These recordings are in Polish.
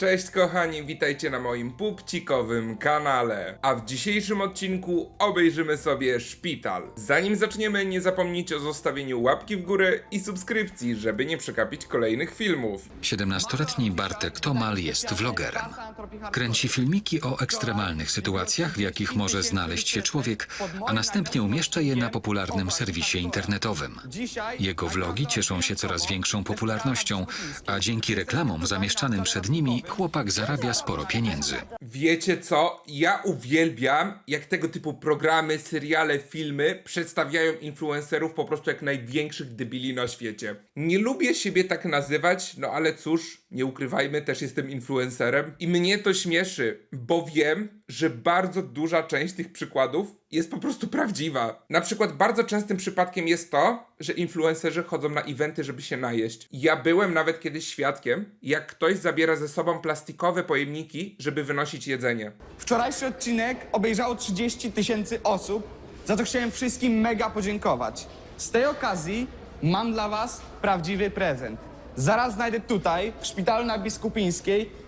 Cześć kochani, witajcie na moim pupcikowym kanale. A w dzisiejszym odcinku obejrzymy sobie Szpital. Zanim zaczniemy, nie zapomnijcie o zostawieniu łapki w górę i subskrypcji, żeby nie przegapić kolejnych filmów. 17-letni Bartek Tomal jest vlogerem. Kręci filmiki o ekstremalnych sytuacjach, w jakich może znaleźć się człowiek, a następnie umieszcza je na popularnym serwisie internetowym. Jego vlogi cieszą się coraz większą popularnością, a dzięki reklamom zamieszczanym przed nimi chłopak zarabia sporo pieniędzy. Wiecie co? Ja uwielbiam, jak tego typu programy, seriale, filmy przedstawiają influencerów po prostu jak największych debili na świecie. Nie lubię siebie tak nazywać, no ale cóż, nie ukrywajmy, też jestem influencerem i mnie to śmieszy, bo wiem, że bardzo duża część tych przykładów jest po prostu prawdziwa. Na przykład bardzo częstym przypadkiem jest to, że influencerzy chodzą na eventy, żeby się najeść. Ja byłem nawet kiedyś świadkiem, jak ktoś zabiera ze sobą plastikowe pojemniki, żeby wynosić jedzenie. Wczorajszy odcinek obejrzało 30 000 osób, za to chciałem wszystkim mega podziękować. Z tej okazji mam dla was prawdziwy prezent. Zaraz znajdę tutaj, w szpitalu na Biskupińskiej,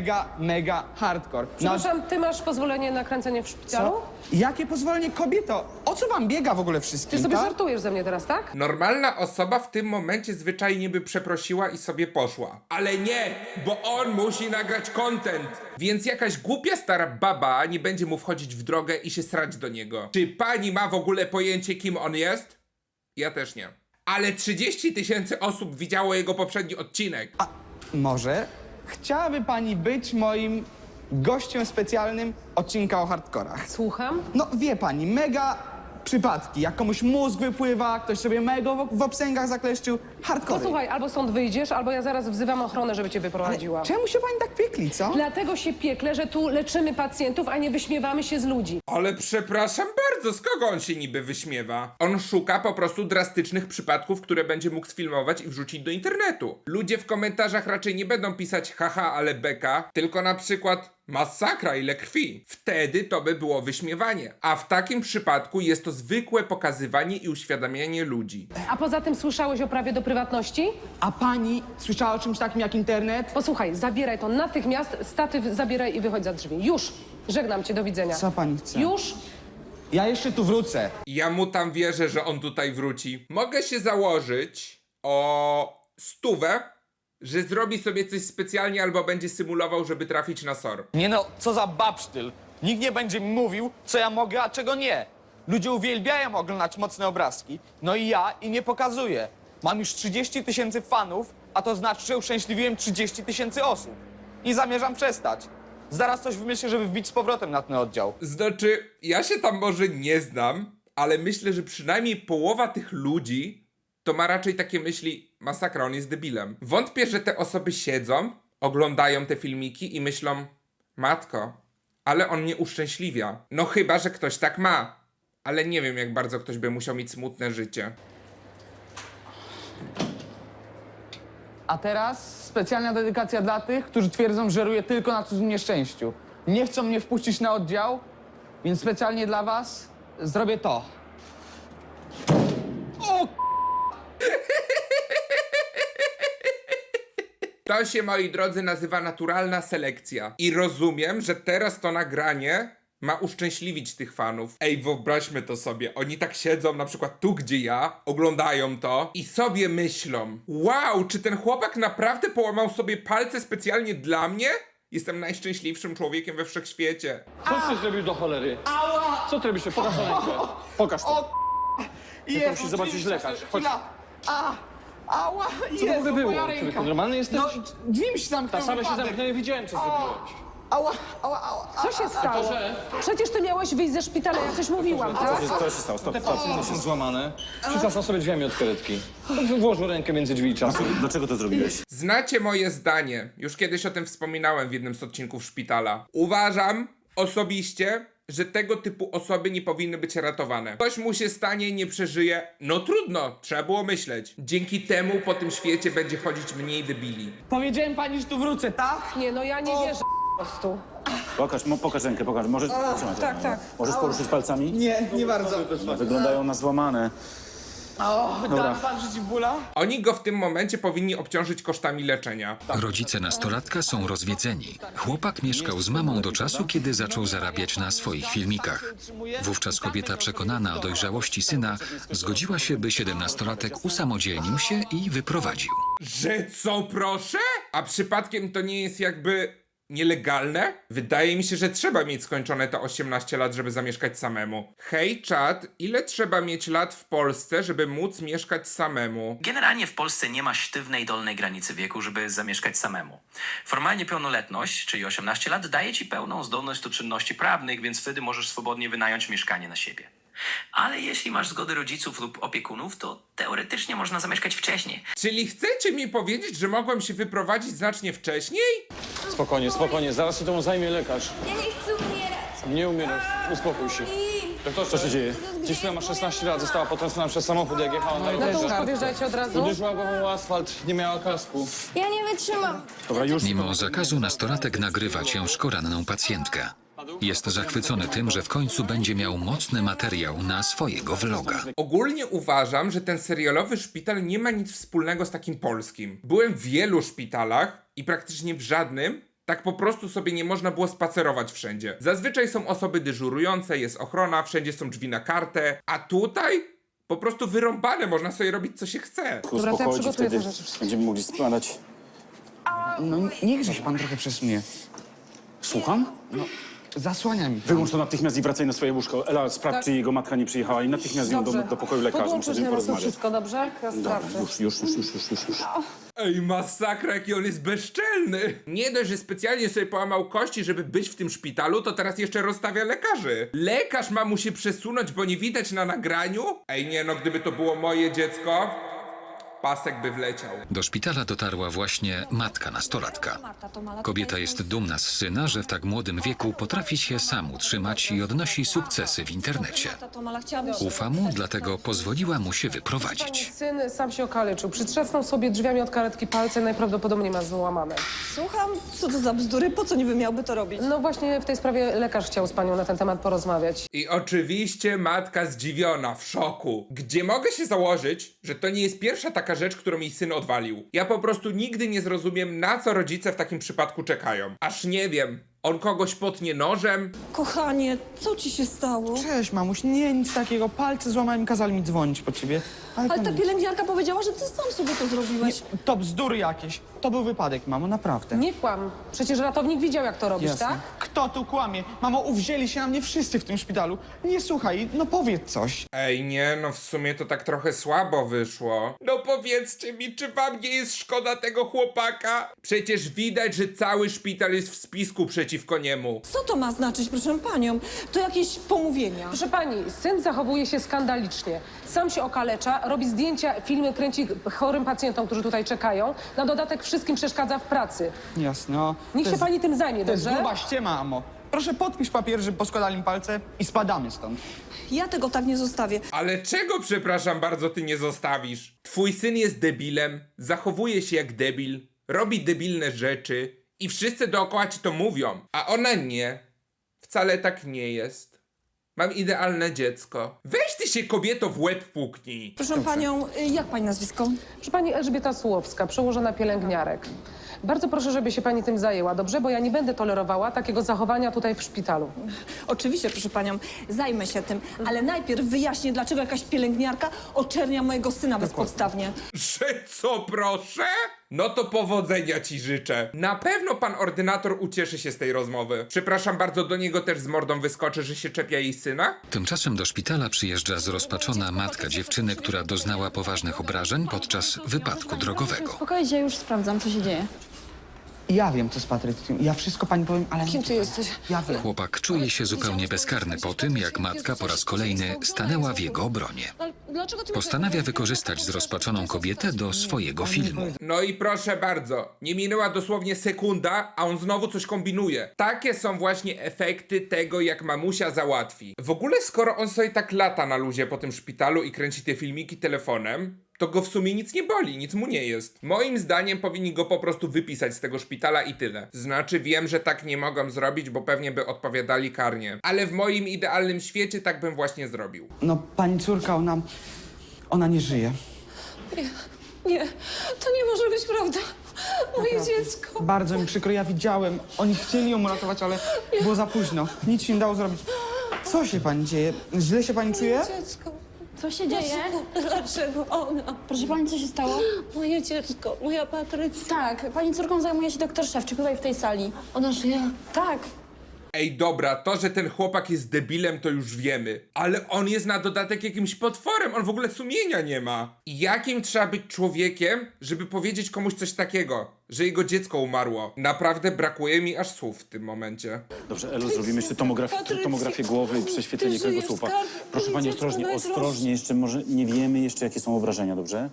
mega hardcore. Przepraszam, ty masz pozwolenie na kręcenie w szpitalu? Co? Jakie pozwolenie, kobieto? O co wam biega w ogóle wszystkim, Ty sobie tak? żartujesz ze mnie teraz, tak? Normalna osoba w tym momencie zwyczajnie by przeprosiła i sobie poszła. Ale nie, bo on musi nagrać content. Więc jakaś głupia stara baba nie będzie mu wchodzić w drogę i się srać do niego. Czy pani ma w ogóle pojęcie, kim on jest? Ja też nie. Ale 30 000 osób widziało jego poprzedni odcinek. A może chciałaby pani być moim gościem specjalnym odcinka o hardkorach? Słucham. No wie pani, mega przypadki, jak komuś mózg wypływa, ktoś sobie mega w obsęgach zakleszczył, hardcore. Posłuchaj, albo stąd wyjdziesz, albo ja zaraz wzywam ochronę, żeby cię wyprowadziła. Czemu się pani tak piekli, co? Dlatego się piekle, że tu leczymy pacjentów, a nie wyśmiewamy się z ludzi. Ale przepraszam bardzo, z kogo on się niby wyśmiewa? On szuka po prostu drastycznych przypadków, które będzie mógł sfilmować i wrzucić do internetu. Ludzie w komentarzach raczej nie będą pisać haha, ale beka, tylko na przykład masakra, ile krwi. Wtedy to by było wyśmiewanie. A w takim przypadku jest to zwykłe pokazywanie i uświadamianie ludzi. A poza tym słyszałeś o prawie do prywatności? A pani słyszała o czymś takim jak internet? Posłuchaj, zabieraj to natychmiast, statyw zabieraj i wychodź za drzwi. Już! Żegnam cię, do widzenia. Co pani chce? Już! Ja jeszcze tu wrócę. Ja mu tam wierzę, że on tutaj wróci. Mogę się założyć o 100, że zrobi sobie coś specjalnie albo będzie symulował, żeby trafić na SOR. Nie no, co za babsztyl. Nikt nie będzie mi mówił, co ja mogę, a czego nie. Ludzie uwielbiają oglądać mocne obrazki, no i ja im nie pokazuję. Mam już 30 000 fanów, a to znaczy, że uszczęśliwiłem 30 000 osób. I zamierzam przestać. Zaraz coś wymyślę, żeby wbić z powrotem na ten oddział. Znaczy, ja się tam może nie znam, ale myślę, że przynajmniej połowa tych ludzi to ma raczej takie myśli, masakra, on jest debilem. Wątpię, że te osoby siedzą, oglądają te filmiki i myślą, matko, ale on mnie uszczęśliwia. No chyba, że ktoś tak ma. Ale nie wiem, jak bardzo ktoś by musiał mieć smutne życie. A teraz specjalna dedykacja dla tych, którzy twierdzą, że żeruję tylko na cudzym nieszczęściu. Nie chcą mnie wpuścić na oddział, więc specjalnie dla was zrobię to. To się, moi drodzy, nazywa naturalna selekcja. I rozumiem, że teraz to nagranie ma uszczęśliwić tych fanów. Ej, wyobraźmy to sobie. Oni tak siedzą na przykład tu, gdzie ja, oglądają to i sobie myślą, wow, czy ten chłopak naprawdę połamał sobie palce specjalnie dla mnie? Jestem najszczęśliwszym człowiekiem we wszechświecie. Co ty zrobił do cholery? Co ty robisz? Pokaż to rękę. Pokaż to. Jest, musisz zobaczyć lekarz. Chodź. Ała, Co to w ogóle było? Człowieku, normalny jesteś? No, drzwi mi się zamknęły. Ta same się wypadek. zamknęły, widziałem, co zrobiłeś. Ała. Co się stało? że- Przecież ty miałeś wyjść ze szpitala, ja coś mówiłam, tak? Co się stało? Stop. Te palce są złamane. Przytrzasnął sobie drzwiami od karetki. Włożył rękę między drzwi i czasem. Dlaczego to zrobiłeś? Znacie moje zdanie. Już kiedyś o tym wspominałem w jednym z odcinków szpitala. Uważam osobiście, że tego typu osoby nie powinny być ratowane. Coś mu się stanie i nie przeżyje. No trudno, trzeba było myśleć. Dzięki temu po tym świecie będzie chodzić mniej debili. Powiedziałem pani, że tu wrócę, tak? Nie, no ja nie wierzę po prostu. Pokaż rękę, pokaż. Możesz, trzymaj to. tak. Możesz poruszyć palcami? Nie bardzo. Wyglądają na złamane. Da pan przeciwbóla? Oni go w tym momencie powinni obciążyć kosztami leczenia. Rodzice nastolatka są rozwiedzeni. Chłopak mieszkał z mamą do czasu, kiedy zaczął zarabiać na swoich filmikach. Wówczas kobieta przekonana o dojrzałości syna zgodziła się, by 17-latek usamodzielnił się i wyprowadził. Że co, proszę? A przypadkiem to nie jest jakby nielegalne? Wydaje mi się, że trzeba mieć skończone te 18 lat, żeby zamieszkać samemu. Hej, czat, ile trzeba mieć lat w Polsce, żeby móc mieszkać samemu? Generalnie w Polsce nie ma sztywnej dolnej granicy wieku, żeby zamieszkać samemu. Formalnie pełnoletność, czyli 18 lat, daje ci pełną zdolność do czynności prawnych, więc wtedy możesz swobodnie wynająć mieszkanie na siebie. Ale jeśli masz zgodę rodziców lub opiekunów, to teoretycznie można zamieszkać wcześniej. Czyli chcecie mi powiedzieć, że mogłem się wyprowadzić znacznie wcześniej? Spokojnie, spokojnie, zaraz się temu zajmie lekarz. Ja nie chcę umierać. Nie umierasz, uspokój się. Doktorze, co się dzieje? Dziewczyna ma 16 lat, została potrącona przez samochód, jak jechała na No to już rowerze. podjeżdżajcie od razu. Uderzyła głową o asfalt, nie miała kasku. Ja nie wytrzymam. Dobra, już. Mimo zakazu nastolatek nagrywa ciężko ranną pacjentkę. Jest zachwycony tym, że w końcu będzie miał mocny materiał na swojego vloga. Ogólnie uważam, że ten serialowy szpital nie ma nic wspólnego z takim polskim. Byłem w wielu szpitalach i praktycznie w żadnym tak po prostu sobie nie można było spacerować wszędzie. Zazwyczaj są osoby dyżurujące, jest ochrona, wszędzie są drzwi na kartę, a tutaj po prostu wyrąbane, można sobie robić co się chce. Dobra, to ja Uspokoić, przygotuję wtedy te rzeczy. będziemy mogli składać. No niechże się pan trochę przesunie. Słucham? Zasłania mi. Wyłącz to natychmiast i wracaj na swoje łóżko. Ela, sprawdź, Tak. czy jego matka nie przyjechała i natychmiast ją do pokoju lekarza. Muszę Podłączysz z nim na nas porozmawiać. wszystko, dobrze? Ja Dobra, sprawdzę. już. Ej, masakra, jaki on jest bezczelny. Nie dość, że specjalnie sobie połamał kości, żeby być w tym szpitalu, to teraz jeszcze rozstawia lekarzy. Lekarz ma mu się przesunąć, bo nie widać na nagraniu? Ej, nie no, gdyby to było moje dziecko, pasek by wleciał. Do szpitala dotarła właśnie matka nastolatka. Kobieta jest dumna z syna, że w tak młodym wieku potrafi się sam utrzymać i odnosi sukcesy w internecie. Ufa mu, dlatego pozwoliła mu się wyprowadzić. Syn sam się okaleczył. Przytrzasnął sobie drzwiami od karetki palce, najprawdopodobniej ma złamane. Słucham, co to za bzdury? Po co niby miałby to robić? No właśnie w tej sprawie lekarz chciał z panią na ten temat porozmawiać. I oczywiście matka zdziwiona, w szoku. Gdzie mogę się założyć, że to nie jest pierwsza taka rzecz, którą jej syn odwalił. Ja po prostu nigdy nie zrozumiem, na co rodzice w takim przypadku czekają. Aż nie wiem, on kogoś potnie nożem? Kochanie, co ci się stało? Cześć, mamuś, nie, nic takiego. Palce złamałem, kazali mi dzwonić po ciebie. Ale to ta nic. pielęgniarka powiedziała, że ty sam sobie to zrobiłeś. To bzdury jakieś. To był wypadek, mamo, naprawdę. Nie kłam. Przecież ratownik widział, jak to robisz, Jasne. tak? Kto tu kłamie? Mamo, uwzięli się na mnie wszyscy w tym szpitalu. Nie słuchaj, no powiedz coś. Ej, nie, no w sumie to tak trochę słabo wyszło. No powiedzcie mi, czy wam nie jest szkoda tego chłopaka? Przecież widać, że cały szpital jest w spisku przeciwko niemu. Co to ma znaczyć, proszę panią? To jakieś pomówienia. Proszę pani, syn zachowuje się skandalicznie. Sam się okalecza, robi zdjęcia, filmy kręci chorym pacjentom, którzy tutaj czekają. Na dodatek wszystkim przeszkadza w pracy. Jasne, no. Niech To się jest- pani tym zajmie, To jest dobrze? gruba ściema, mamo. Proszę podpisz papier, że poskładali mi palce i spadamy stąd. Ja tego tak nie zostawię. Ale czego, przepraszam bardzo, ty nie zostawisz? Twój syn jest debilem, zachowuje się jak debil, robi debilne rzeczy i wszyscy dookoła ci to mówią, a ona nie. Wcale tak nie jest. Mam idealne dziecko. Weź ty się, kobieto, w łeb puknij. Proszę panią, jak pani nazwisko? Proszę pani Elżbieta Sułowska, przełożona pielęgniarek. Bardzo proszę, żeby się pani tym zajęła, dobrze? Bo ja nie będę tolerowała takiego zachowania tutaj w szpitalu. Oczywiście, proszę panią, zajmę się tym, ale najpierw wyjaśnię, dlaczego jakaś pielęgniarka oczernia mojego syna bezpodstawnie. Że co, proszę? No to powodzenia ci życzę. Na pewno pan ordynator ucieszy się z tej rozmowy. Przepraszam bardzo, do niego też z mordą wyskoczy, że się czepia jej syna? Tymczasem do szpitala przyjeżdża zrozpaczona matka dziewczyny, która doznała poważnych obrażeń podczas wypadku drogowego. Spokojnie, już sprawdzam, co się dzieje. Ja wiem, co z Patrycją. Ja wszystko pani powiem, ale... Kim ty jesteś? Ja wiem. Chłopak czuje się zupełnie bezkarny po tym, jak matka po raz kolejny stanęła w jego obronie. Postanawia wykorzystać zrozpaczoną kobietę do swojego filmu. No i proszę bardzo, nie minęła dosłownie sekunda, a on znowu coś kombinuje. Takie są właśnie efekty tego, jak mamusia załatwi. W ogóle skoro on sobie tak lata na luzie po tym szpitalu i kręci te filmiki telefonem, to go w sumie nic nie boli, nic mu nie jest. Moim zdaniem powinni go po prostu wypisać z tego szpitala i tyle. Znaczy wiem, że tak nie mogą zrobić, bo pewnie by odpowiadali karnie. Ale w moim idealnym świecie tak bym właśnie zrobił. No, pani córka, Ona nie żyje. Nie, to nie może być prawda. Moje dziecko. Bardzo mi przykro, ja widziałem. Oni chcieli ją uratować, ale było za późno. Nic się nie dało zrobić. Co się pani dzieje? Źle się pani czuje? Dziecko. Co się dzieje? Dlaczego ona? Proszę pani, co się stało? Moje dziecko, moja Patrycja. Tak, pani córką zajmuje się doktor Szewczyk tutaj w tej sali. Ona żyje? Tak. Ej, dobra, to, że ten chłopak jest debilem, to już wiemy. Ale on jest na dodatek jakimś potworem, on w ogóle sumienia nie ma. I jakim trzeba być człowiekiem, żeby powiedzieć komuś coś takiego, że jego dziecko umarło? Naprawdę brakuje mi aż słów w tym momencie. Dobrze, Elu, zrobimy jeszcze tomografię głowy i prześwietlenie Ty żyjesz, kręgosłupa. skarbie. Proszę pani, Dziecko ostrożnie, najdroższe. ostrożnie, jeszcze może nie wiemy jeszcze, jakie są obrażenia, dobrze?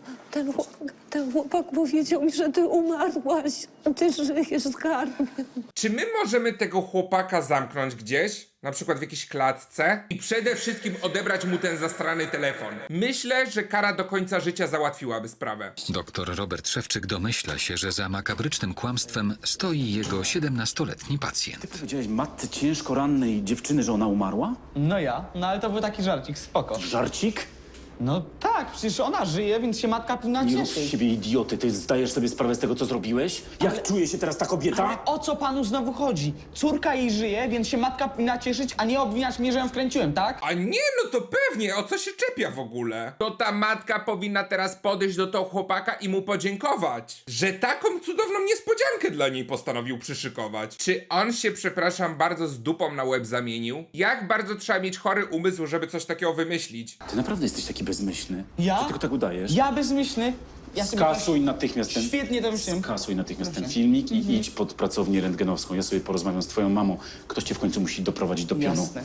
Ten chłopak powiedział mi, że ty umarłaś. Ty żyjesz, skarbie. Czy my możemy tego chłopaka zamknąć gdzieś? Na przykład w jakiejś klatce? I przede wszystkim odebrać mu ten zastrany telefon. Myślę, że kara do końca życia załatwiłaby sprawę. Doktor Robert Szewczyk domyśla się, że za makabrycznym kłamstwem stoi jego 17-letni pacjent. Ty powiedziałeś matce ciężko rannej dziewczyny, że ona umarła? No ale to był taki żarcik, spoko. Żarcik? No tak, przecież ona żyje, więc się matka powinna Nie rób z cieszyć. siebie idioty, ty zdajesz sobie sprawę z tego, co zrobiłeś? Jak czuje się teraz ta kobieta? Ale o co panu znowu chodzi? Córka jej żyje, więc się matka powinna cieszyć, a nie obwiniać mnie, że ją wkręciłem, tak? A nie, no to pewnie, o co się czepia w ogóle? To ta matka powinna teraz podejść do tego chłopaka i mu podziękować, że taką cudowną niespodziankę dla niej postanowił przyszykować. Czy on się, przepraszam bardzo, z dupą na łeb zamienił? Jak bardzo trzeba mieć chory umysł, żeby coś takiego wymyślić? Ty naprawdę jesteś taki bezmyślny? Ja? Czy tylko tak udajesz? Ja bezmyślny? Ja sobie Skasuj natychmiast ten... Świetnie to myślałem. Skasuj natychmiast ten filmik i idź pod pracownię rentgenowską. Ja sobie porozmawiam z twoją mamą. Ktoś cię w końcu musi doprowadzić do pionu. Jasne.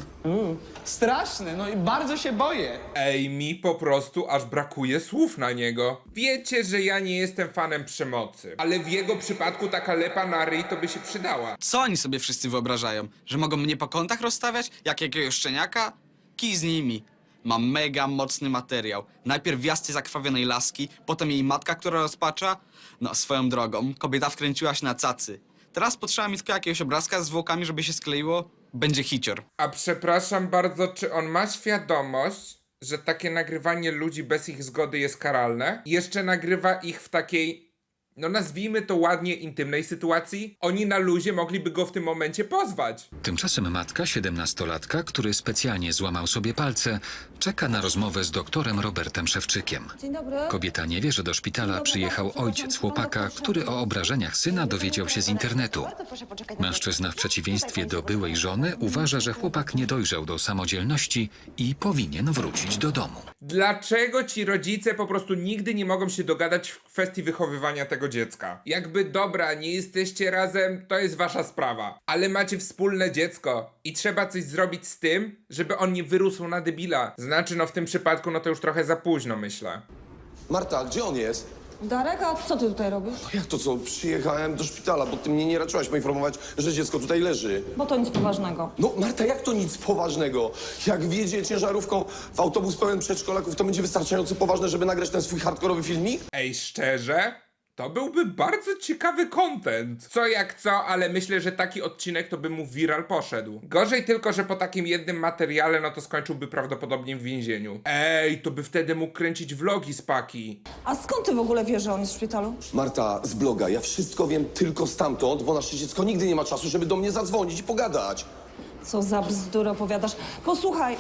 Straszne, no i bardzo się boję. Ej, mi po prostu aż brakuje słów na niego. Wiecie, że ja nie jestem fanem przemocy, ale w jego przypadku taka lepa na ryj to by się przydała. Co oni sobie wszyscy wyobrażają? Że mogą mnie po kątach rozstawiać? Jak jakiegoś szczeniaka? Kij z nimi. Mam mega mocny materiał. Najpierw wjazd zakrwawionej laski, potem jej matka, która rozpacza. No, swoją drogą, kobieta wkręciła się na cacy. Teraz potrzeba mi tylko jakiegoś obrazka z zwłokami, żeby się skleiło. Będzie hicior. A przepraszam bardzo, czy on ma świadomość, że takie nagrywanie ludzi bez ich zgody jest karalne? Jeszcze nagrywa ich w takiej, no nazwijmy to ładnie, intymnej sytuacji? Oni na luzie mogliby go w tym momencie pozwać. Tymczasem matka 17-latka, który specjalnie złamał sobie palce, czeka na rozmowę z doktorem Robertem Szewczykiem. Dzień dobry. Kobieta nie wie, że do szpitala przyjechał ojciec chłopaka, który o obrażeniach syna dowiedział się z internetu. Mężczyzna w przeciwieństwie do byłej żony uważa, że chłopak nie dojrzał do samodzielności i powinien wrócić do domu. Dlaczego ci rodzice po prostu nigdy nie mogą się dogadać w kwestii wychowywania tego dziecka? Jakby dobra, nie jesteście razem, to jest wasza sprawa. Ale macie wspólne dziecko i trzeba coś zrobić z tym, żeby on nie wyrósł na debila. Znaczy, no w tym przypadku, no to już trochę za późno, myślę. Marta, gdzie on jest? Darek, a co ty tutaj robisz? Jak to co? Przyjechałem do szpitala, bo ty mnie nie raczyłaś poinformować, że dziecko tutaj leży. Bo to nic poważnego. No Marta, jak to nic poważnego? Jak wjedzie ciężarówką w autobus pełen przedszkolaków, to będzie wystarczająco poważne, żeby nagrać ten swój hardkorowy filmik? Ej, szczerze? To byłby bardzo ciekawy content. Co jak co, ale myślę, że taki odcinek to by mu viral poszedł. Gorzej tylko, że po takim jednym materiale, no to skończyłby prawdopodobnie w więzieniu. Ej, to by wtedy mógł kręcić vlogi z paki. A skąd ty w ogóle wiesz, że on jest w szpitalu? Marta, z bloga, ja wszystko wiem tylko stamtąd, bo nasze dziecko nigdy nie ma czasu, żeby do mnie zadzwonić i pogadać. Co za bzdury opowiadasz. Posłuchaj,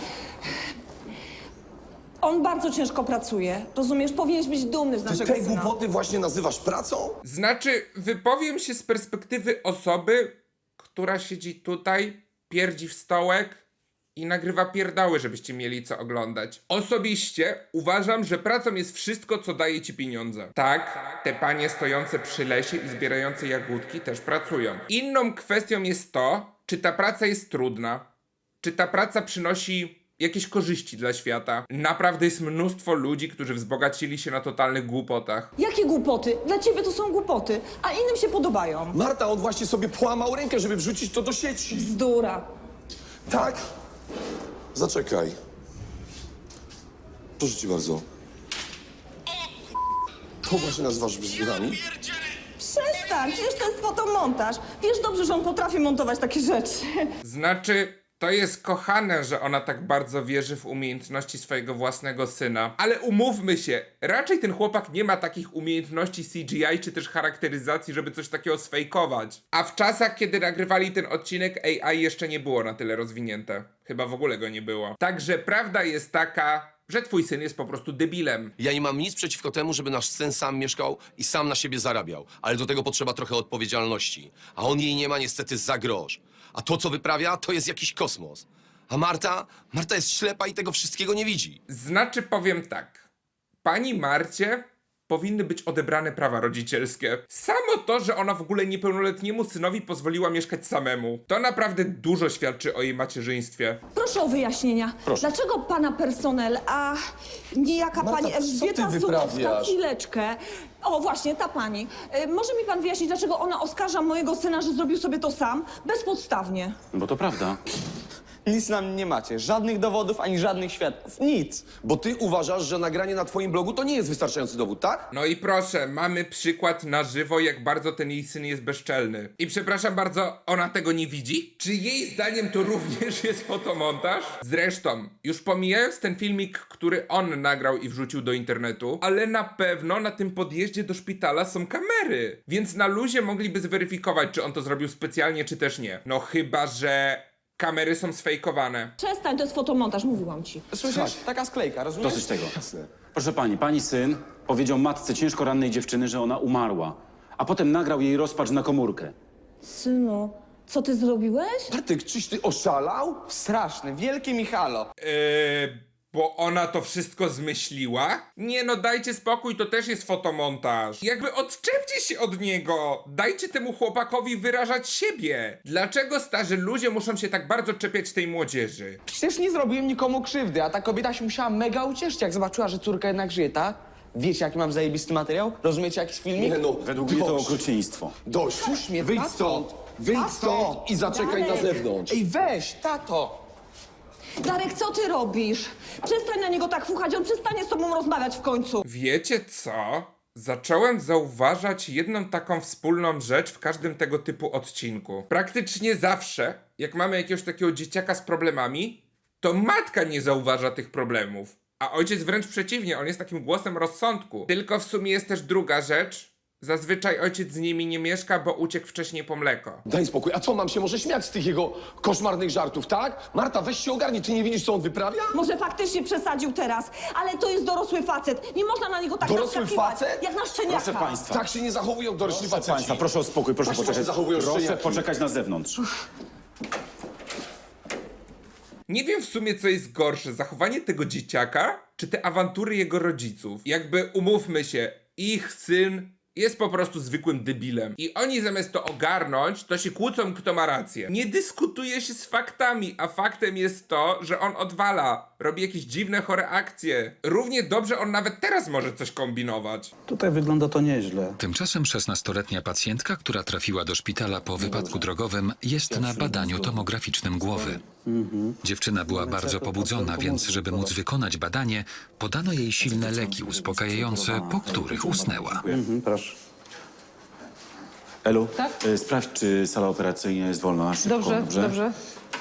on bardzo ciężko pracuje. Rozumiesz? Powinieneś być dumny z Ty naszego te syna. głupoty właśnie nazywasz pracą? Znaczy, wypowiem się z perspektywy osoby, która siedzi tutaj, pierdzi w stołek i nagrywa pierdoły, żebyście mieli co oglądać. Osobiście uważam, że pracą jest wszystko, co daje ci pieniądze. Tak, te panie stojące przy lesie i zbierające jagódki też pracują. Inną kwestią jest to, czy ta praca jest trudna, czy ta praca przynosi jakieś korzyści dla świata. Naprawdę jest mnóstwo ludzi, którzy wzbogacili się na totalnych głupotach. Jakie głupoty? Dla ciebie to są głupoty, a innym się podobają. Marta, on właśnie sobie połamał rękę, żeby wrzucić to do sieci. Bzdura. Tak? Zaczekaj. Proszę cię bardzo. To właśnie nazywasz bzdurami? Przestań, przecież to jest fotomontaż. Wiesz dobrze, że on potrafi montować takie rzeczy. Znaczy, To jest kochane, że ona tak bardzo wierzy w umiejętności swojego własnego syna. Ale umówmy się, raczej ten chłopak nie ma takich umiejętności CGI czy też charakteryzacji, żeby coś takiego sfejkować. A w czasach, kiedy nagrywali ten odcinek, AI jeszcze nie było na tyle rozwinięte. Chyba w ogóle go nie było. Także prawda jest taka, że twój syn jest po prostu debilem. Ja nie mam nic przeciwko temu, żeby nasz syn sam mieszkał i sam na siebie zarabiał. Ale do tego potrzeba trochę odpowiedzialności. A on jej nie ma niestety za grosz. A to, co wyprawia, to jest jakiś kosmos. A Marta jest ślepa i tego wszystkiego nie widzi. Znaczy powiem tak. Pani Marcie powinny być odebrane prawa rodzicielskie. Samo to, że ona w ogóle niepełnoletniemu synowi pozwoliła mieszkać samemu, to naprawdę dużo świadczy o jej macierzyństwie. Proszę o wyjaśnienia. Proszę. Dlaczego pana personel, a niejaka Marta, pani co ty Elżbieta wyprawiasz? Sulowska, chwileczkę. O, właśnie, ta pani. Może mi pan wyjaśnić, dlaczego ona oskarża mojego syna, że zrobił sobie to sam, bezpodstawnie? Bo to prawda. Nic nam nie macie, żadnych dowodów ani żadnych świadków, nic. Bo ty uważasz, że nagranie na twoim blogu to nie jest wystarczający dowód, tak? No i proszę, mamy przykład na żywo, jak bardzo ten jej syn jest bezczelny. I przepraszam bardzo, ona tego nie widzi? Czy jej zdaniem to również jest fotomontaż? Zresztą, już pomijając ten filmik, który on nagrał i wrzucił do internetu, ale na pewno na tym podjeździe do szpitala są kamery. Więc na luzie mogliby zweryfikować, czy on to zrobił specjalnie, czy też nie. No chyba, że kamery są sfejkowane. Przestań, to jest fotomontaż, mówiłam ci. Słyszysz? Taka sklejka, rozumiesz? Dosyć tego. Proszę pani syn powiedział matce ciężko rannej dziewczyny, że ona umarła. A potem nagrał jej rozpacz na komórkę. Synu, co ty zrobiłeś? Bartek, czyś ty oszalał? Straszny, wielki Michalo. Bo ona to wszystko zmyśliła? Nie no, dajcie spokój, to też jest fotomontaż. Jakby odczepcie się od niego. Dajcie temu chłopakowi wyrażać siebie. Dlaczego starzy ludzie muszą się tak bardzo czepiać tej młodzieży? Przecież nie zrobiłem nikomu krzywdy, a ta kobieta się musiała mega ucieszyć, jak zobaczyła, że córka jednak żyje, tak? Wiecie, jaki mam zajebisty materiał? Rozumiecie, jakiś filmik? Nie no, Według mnie to dość. okrucieństwo. Dość. Puść mnie, Wyjdź tato. stąd. Wyjdź Tato. stąd i zaczekaj na zewnątrz. Ej, weź, tato! Darek, co ty robisz? Przestań na niego tak fuchać, on przestanie z tobą rozmawiać w końcu. Wiecie co? Zacząłem zauważać jedną taką wspólną rzecz w każdym tego typu odcinku. Praktycznie zawsze, jak mamy jakiegoś takiego dzieciaka z problemami, to matka nie zauważa tych problemów. A ojciec wręcz przeciwnie, on jest takim głosem rozsądku. Tylko w sumie jest też druga rzecz. Zazwyczaj ojciec z nimi nie mieszka, bo uciekł wcześniej po mleko. Daj spokój, a co, mam się może śmiać z tych jego koszmarnych żartów, tak? Marta, weź się ogarnij, ty nie widzisz, co on wyprawia? Może faktycznie przesadził teraz, ale to jest dorosły facet. Nie można na niego tak Dorosły naskakiwać, facet? jak na szczeniaka. Proszę państwa. Tak się nie zachowują dorośli Proszę faceci. państwa, proszę o spokój, proszę Właśnie poczekać. się zachowują Proszę szczeniaki. poczekać na zewnątrz. Nie wiem w sumie, co jest gorsze, zachowanie tego dzieciaka, czy te awantury jego rodziców. Jakby umówmy się, ich syn jest po prostu zwykłym debilem. I oni zamiast to ogarnąć, to się kłócą, kto ma rację. Nie dyskutuje się z faktami, a faktem jest to, że on odwala. Robi jakieś dziwne, chore akcje. Równie dobrze on nawet teraz może coś kombinować. Tutaj wygląda to nieźle. Tymczasem 16-letnia pacjentka, która trafiła do szpitala po wypadku drogowym, jest na badaniu tomograficznym głowy. Dziewczyna była bardzo pobudzona, więc żeby móc wykonać badanie, podano jej silne leki uspokajające, po których usnęła. Proszę. Elu, Tak? Sprawdź, czy sala operacyjna jest wolna. Szybko, Dobrze.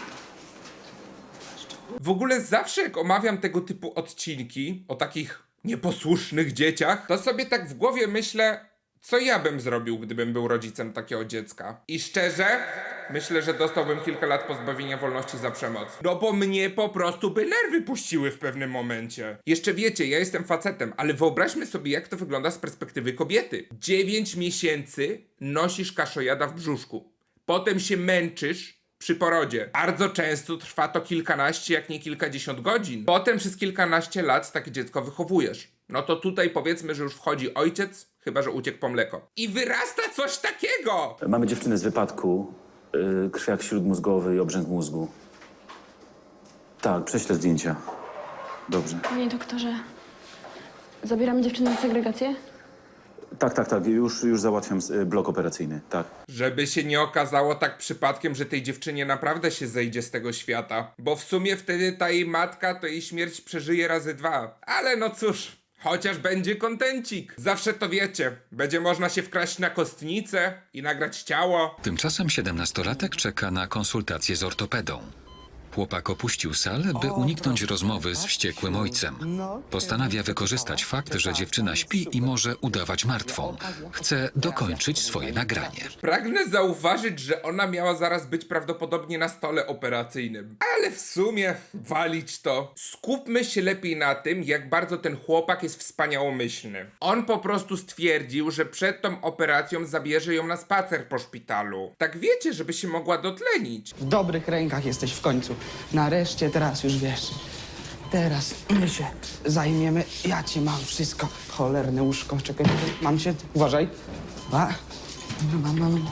W ogóle zawsze jak omawiam tego typu odcinki o takich nieposłusznych dzieciach, to sobie tak w głowie myślę, co ja bym zrobił, gdybym był rodzicem takiego dziecka. I szczerze, myślę, że dostałbym kilka lat pozbawienia wolności za przemoc. No bo mnie po prostu by nerwy puściły w pewnym momencie. Jeszcze wiecie, ja jestem facetem, ale wyobraźmy sobie, jak to wygląda z perspektywy kobiety. 9 miesięcy nosisz kaszojada w brzuszku. Potem się męczysz przy porodzie. Bardzo często trwa to kilkanaście, jak nie kilkadziesiąt godzin. Potem przez kilkanaście lat takie dziecko wychowujesz. No to tutaj powiedzmy, że już wchodzi ojciec, chyba że uciekł po mleko. I wyrasta coś takiego! Mamy dziewczynę z wypadku. Krwiak śródmózgowy i obrzęk mózgu. Tak, prześlę zdjęcia. Dobrze. Panie doktorze, zabieramy dziewczynę na segregację? Tak, już załatwiam blok operacyjny, tak. Żeby się nie okazało tak przypadkiem, że tej dziewczynie naprawdę się zejdzie z tego świata. Bo w sumie wtedy ta jej matka to jej śmierć przeżyje razy 2. Ale no cóż, chociaż będzie kontencik. Zawsze to wiecie, będzie można się wkraść na kostnicę i nagrać ciało. Tymczasem 17-latek czeka na konsultację z ortopedą. Chłopak opuścił salę, by uniknąć rozmowy z wściekłym ojcem. Postanawia wykorzystać fakt, że dziewczyna śpi i może udawać martwą. Chce dokończyć swoje nagranie. Pragnę zauważyć, że ona miała zaraz być prawdopodobnie na stole operacyjnym. Ale w sumie walić to. Skupmy się lepiej na tym, jak bardzo ten chłopak jest wspaniałomyślny. On po prostu stwierdził, że przed tą operacją zabierze ją na spacer po szpitalu. Tak wiecie, żeby się mogła dotlenić. W dobrych rękach jesteś w końcu. Nareszcie, teraz już wiesz. Teraz my się zajmiemy. Ja ci mam wszystko. Cholerne łóżko. Czekaj, mam się. Uważaj. Mam.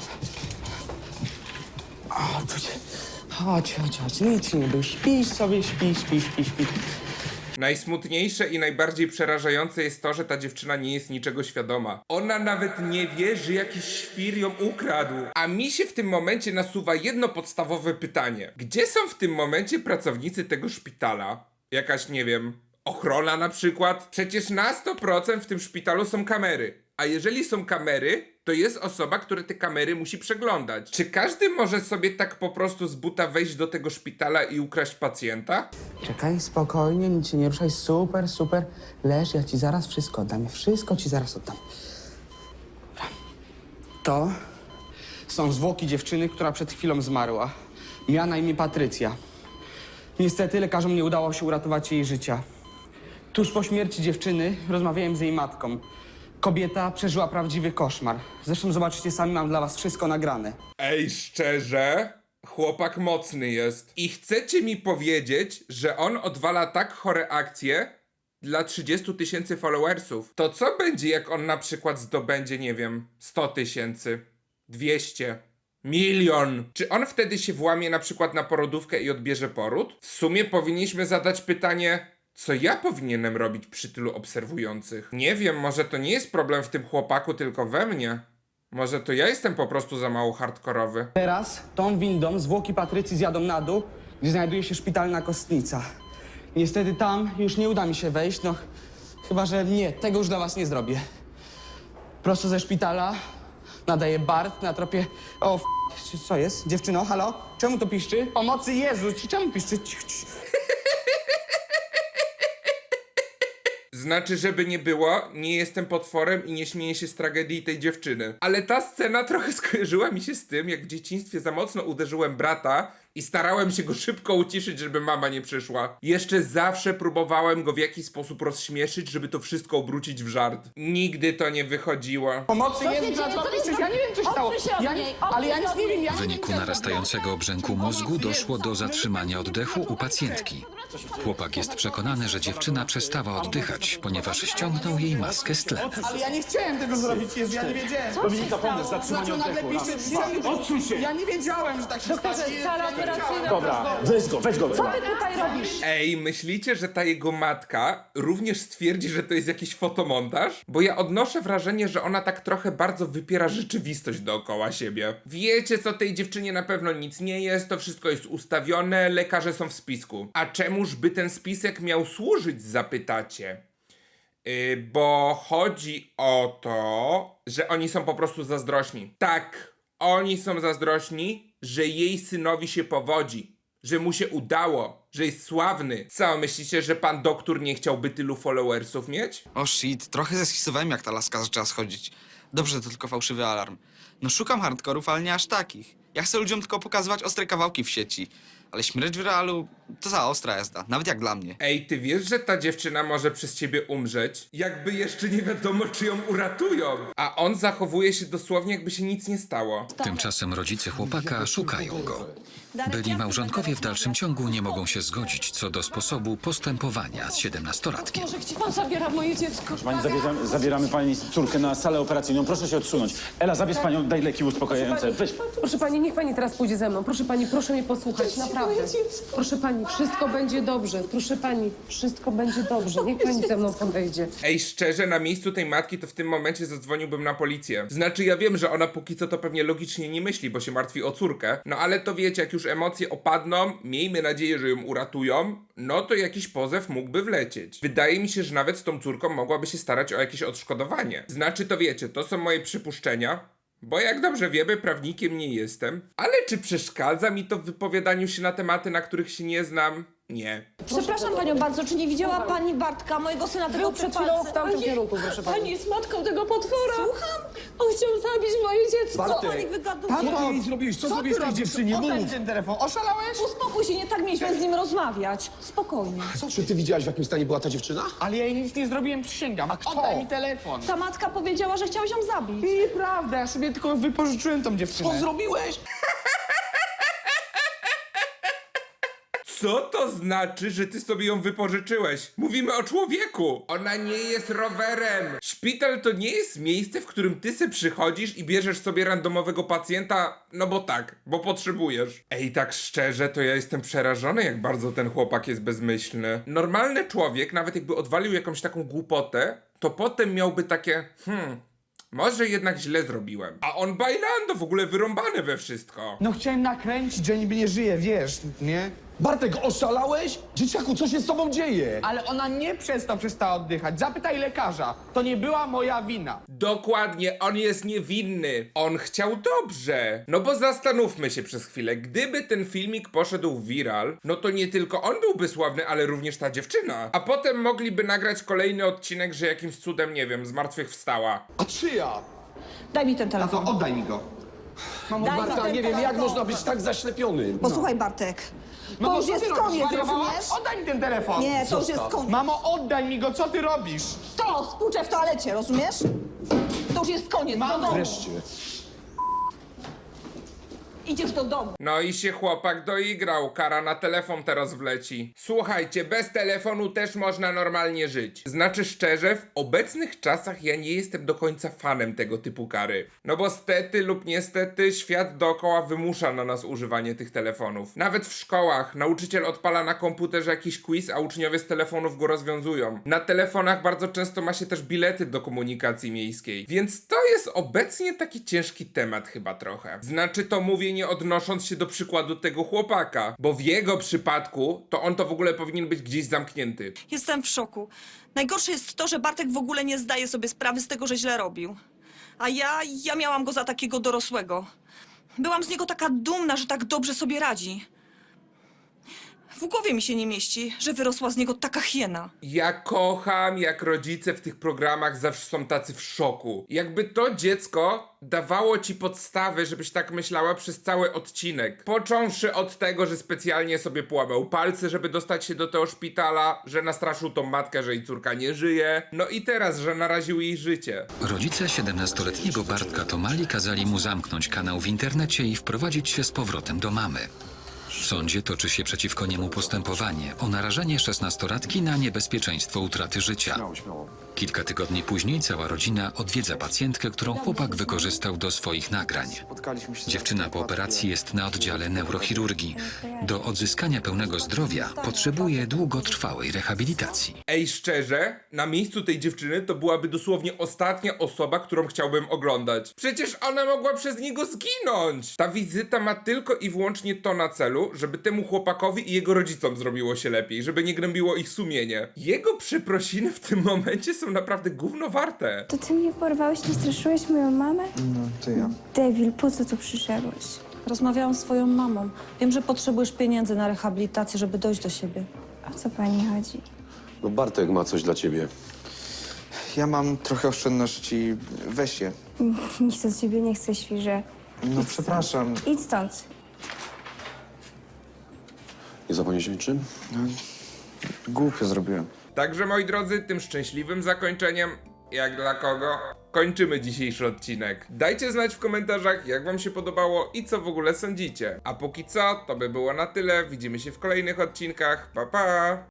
O, tu cię. Chodź. Nic nie był. Śpisz sobie, śpi. Najsmutniejsze i najbardziej przerażające jest to, że ta dziewczyna nie jest niczego świadoma. Ona nawet nie wie, że jakiś świr ją ukradł. A mi się w tym momencie nasuwa jedno podstawowe pytanie. Gdzie są w tym momencie pracownicy tego szpitala? Jakaś, nie wiem, ochrona na przykład? Przecież na 100% w tym szpitalu są kamery. A jeżeli są kamery, to jest osoba, która te kamery musi przeglądać. Czy każdy może sobie tak po prostu z buta wejść do tego szpitala i ukraść pacjenta? Czekaj, spokojnie, nic się nie ruszaj. Super. Leż, ja ci zaraz wszystko oddam. Wszystko ci zaraz oddam. Dobra. To są zwłoki dziewczyny, która przed chwilą zmarła. Miała na imię Patrycja. Niestety lekarzom nie udało się uratować jej życia. Tuż po śmierci dziewczyny rozmawiałem z jej matką. Kobieta przeżyła prawdziwy koszmar. Zresztą zobaczycie sami, mam dla was wszystko nagrane. Ej, szczerze? Chłopak mocny jest. I chcecie mi powiedzieć, że on odwala tak chore akcje dla 30 000 followersów. To co będzie, jak on na przykład zdobędzie, nie wiem, 100 000, 200, 1 000 000? Czy on wtedy się włamie na przykład na porodówkę i odbierze poród? W sumie powinniśmy zadać pytanie, co ja powinienem robić przy tylu obserwujących? Nie wiem, może to nie jest problem w tym chłopaku, tylko we mnie. Może to ja jestem po prostu za mało hardkorowy. Teraz tą windą zwłoki Patrycji zjadą na dół, gdzie znajduje się szpitalna kostnica. Niestety tam już nie uda mi się wejść, no chyba, że nie, tego już dla was nie zrobię. Prosto ze szpitala nadaje Bart na tropie... O, co jest? Dziewczyno, halo? Czemu to piszczy? Pomocy Jezu, czemu piszczy? Znaczy, żeby nie było, nie jestem potworem i nie śmieję się z tragedii tej dziewczyny. Ale ta scena trochę skojarzyła mi się z tym, jak w dzieciństwie za mocno uderzyłem brata i starałem się go szybko uciszyć, żeby mama nie przyszła. Jeszcze zawsze próbowałem go w jakiś sposób rozśmieszyć, żeby to wszystko obrócić w żart. Nigdy to nie wychodziło. Pomocy Jezu, ja nie wiem, co się stało. Ale ja nic nie wiem. W wyniku narastającego obrzęku mózgu doszło do zatrzymania oddechu u pacjentki. Chłopak jest przekonany, że dziewczyna przestała oddychać, ponieważ ściągnął jej maskę z tlen. Ale ja nie chciałem tego zrobić, Jezu, ja nie wiedziałem. Dominika, pomóż, zatrzymanie oddechu. Odsuń się! Ja nie wiedziałem, że tak się stanie. Sala operacyjna. Dobra, weź go. Co ty tutaj robisz? Ej, myślicie, że ta jego matka również stwierdzi, że to jest jakiś fotomontaż? Bo ja odnoszę wrażenie, że ona tak trochę bardzo wypiera rzeczywistość dookoła siebie. Wiecie, co tej dziewczynie na pewno nic nie jest, to wszystko jest ustawione, lekarze są w spisku. A czemuż by ten spisek miał służyć, zapytacie? Bo chodzi o to, że oni są po prostu zazdrośni. Tak, oni są zazdrośni, że jej synowi się powodzi, że mu się udało, że jest sławny. Co, myślicie, że pan doktor nie chciałby tylu followersów mieć? O shit, trochę zeskisowałem, jak ta laska zaczęła schodzić. Dobrze, to tylko fałszywy alarm. No szukam hardkorów, ale nie aż takich. Ja chcę ludziom tylko pokazywać ostre kawałki w sieci. Ale śmierć w realu to za ostra jazda, nawet jak dla mnie. Ej, ty wiesz, że ta dziewczyna może przez ciebie umrzeć? Jakby jeszcze nie wiadomo, czy ją uratują. A on zachowuje się dosłownie, jakby się nic nie stało. Tymczasem rodzice chłopaka szukają go. Byli małżonkowie w dalszym ciągu nie mogą się zgodzić co do sposobu postępowania z 17-latkiem. Może gdzie pan zabiera moje dziecko? Pani, zabieramy pani córkę na salę operacyjną. Proszę się odsunąć. Ela, zabierz panią, daj leki uspokajające. Weź. Proszę pani, niech pani teraz pójdzie ze mną. Proszę pani, proszę mnie posłuchać, naprawdę. Proszę pani, wszystko będzie dobrze. Proszę pani, wszystko będzie dobrze. Niech pani ze mną podejdzie. Ej, szczerze, na miejscu tej matki to w tym momencie zadzwoniłbym na policję. Znaczy, ja wiem, że ona póki co to pewnie logicznie nie myśli, bo się martwi o córkę. No ale to wiecie, jak już emocje opadną, miejmy nadzieję, że ją uratują, no to jakiś pozew mógłby wlecieć. Wydaje mi się, że nawet z tą córką mogłaby się starać o jakieś odszkodowanie. Znaczy, to wiecie, to są moje przypuszczenia. Bo jak dobrze wiemy, prawnikiem nie jestem. Ale czy przeszkadza mi to w wypowiadaniu się na tematy, na których się nie znam? Nie. Przepraszam panią bardzo, czy nie widziała pani Bartka, mojego syna, tego Był przed chwilą w tamtym kierunku, proszę pani. Pani jest matką tego potwora. Słucham? On chciał zabić moje dziecko. Co pani wygaduje? Tato, Co ty jej zrobiłeś? Co zrobiłeś tej robisz? dziewczynie? Oddaj Mów! ten telefon. Oszalałeś? Uspokój się, nie tak mieliśmy z nim rozmawiać. Spokojnie. Czy ty widziałaś, w jakim stanie była ta dziewczyna? Ale ja jej nic nie zrobiłem, przysięgam. Oddaj mi telefon. Ta matka powiedziała, że chciałeś ją zabić. Nieprawda, ja sobie tylko wypożyczyłem tą dziewczynę. zrobiłeś? Co to znaczy, że ty sobie ją wypożyczyłeś? Mówimy o człowieku! Ona nie jest rowerem! Szpital to nie jest miejsce, w którym ty se przychodzisz i bierzesz sobie randomowego pacjenta, no bo tak, bo potrzebujesz. Ej, tak szczerze, to ja jestem przerażony, jak bardzo ten chłopak jest bezmyślny. Normalny człowiek, nawet jakby odwalił jakąś taką głupotę, to potem miałby takie, może jednak źle zrobiłem. A on bailando, w ogóle wyrąbany we wszystko. No chciałem nakręcić, że niby nie żyje, wiesz, nie? Bartek, oszalałeś? Dzieciaku, co się z tobą dzieje? Ale ona nie przez to przestała oddychać. Zapytaj lekarza. To nie była moja wina. Dokładnie, on jest niewinny. On chciał dobrze. No bo zastanówmy się przez chwilę. Gdyby ten filmik poszedł w viral, no to nie tylko on byłby sławny, ale również ta dziewczyna. A potem mogliby nagrać kolejny odcinek, że jakimś cudem, nie wiem, zmartwychwstała. A czyja? Daj mi ten telefon. Tato, oddaj mi go. Daj mi Marta, ten nie wiem, jak telefon. można być tak zaślepionym. Posłuchaj, Bartek. To Mamo, już co jest ty robisz? koniec, Zwariowałaś? rozumiesz? Oddaj mi ten telefon. Nie, to już jest koniec. Mamo, oddaj mi go, co ty robisz? To, spłuczę w toalecie, rozumiesz? To już jest koniec, do domu. Wreszcie. Idziesz do domu. No i się chłopak doigrał. Kara na telefon teraz wleci. Słuchajcie, bez telefonu też można normalnie żyć. Znaczy szczerze, w obecnych czasach ja nie jestem do końca fanem tego typu kary. No bo stety lub niestety świat dookoła wymusza na nas używanie tych telefonów. Nawet w szkołach nauczyciel odpala na komputerze jakiś quiz, a uczniowie z telefonów go rozwiązują. Na telefonach bardzo często ma się też bilety do komunikacji miejskiej. Więc to jest obecnie taki ciężki temat chyba trochę. Znaczy to mówię nie odnosząc się do przykładu tego chłopaka, bo w jego przypadku to on to w ogóle powinien być gdzieś zamknięty. Jestem w szoku. Najgorsze jest to, że Bartek w ogóle nie zdaje sobie sprawy z tego, że źle robił. A ja miałam go za takiego dorosłego. Byłam z niego taka dumna, że tak dobrze sobie radzi. W głowie mi się nie mieści, że wyrosła z niego taka hiena. Ja kocham, jak rodzice w tych programach zawsze są tacy w szoku. Jakby to dziecko dawało ci podstawy, żebyś tak myślała przez cały odcinek. Począwszy od tego, że specjalnie sobie połamał palce, żeby dostać się do tego szpitala, że nastraszył tą matkę, że jej córka nie żyje, no i teraz, że naraził jej życie. Rodzice 17-letniego Bartka Tomali kazali mu zamknąć kanał w internecie i wprowadzić się z powrotem do mamy. W sądzie toczy się przeciwko niemu postępowanie o narażenie 16-latki na niebezpieczeństwo utraty życia. Kilka tygodni później cała rodzina odwiedza pacjentkę, którą chłopak wykorzystał do swoich nagrań. Dziewczyna po operacji jest na oddziale neurochirurgii. Do odzyskania pełnego zdrowia potrzebuje długotrwałej rehabilitacji. Ej, szczerze, na miejscu tej dziewczyny to byłaby dosłownie ostatnia osoba, którą chciałbym oglądać. Przecież ona mogła przez niego zginąć! Ta wizyta ma tylko i wyłącznie to na celu, żeby temu chłopakowi i jego rodzicom zrobiło się lepiej, żeby nie gnębiło ich sumienie. Jego przeprosiny w tym momencie są naprawdę gówno warte. To ty mnie porwałeś, nie straszyłeś moją mamę? No, to ja. Debil, po co tu przyszedłeś? Rozmawiałam z twoją mamą. Wiem, że potrzebujesz pieniędzy na rehabilitację, żeby dojść do siebie. O co pani chodzi? No Bartek ma coś dla ciebie. Ja mam trochę oszczędności. Weź je. Nic od ciebie nie chcę, świrze. No przepraszam. Idź stąd. Nie zapomnieć o niczym? Głupio zrobiłem. Także moi drodzy, tym szczęśliwym zakończeniem, jak dla kogo, kończymy dzisiejszy odcinek. Dajcie znać w komentarzach, jak wam się podobało i co w ogóle sądzicie. A póki co, to by było na tyle. Widzimy się w kolejnych odcinkach. Pa, pa!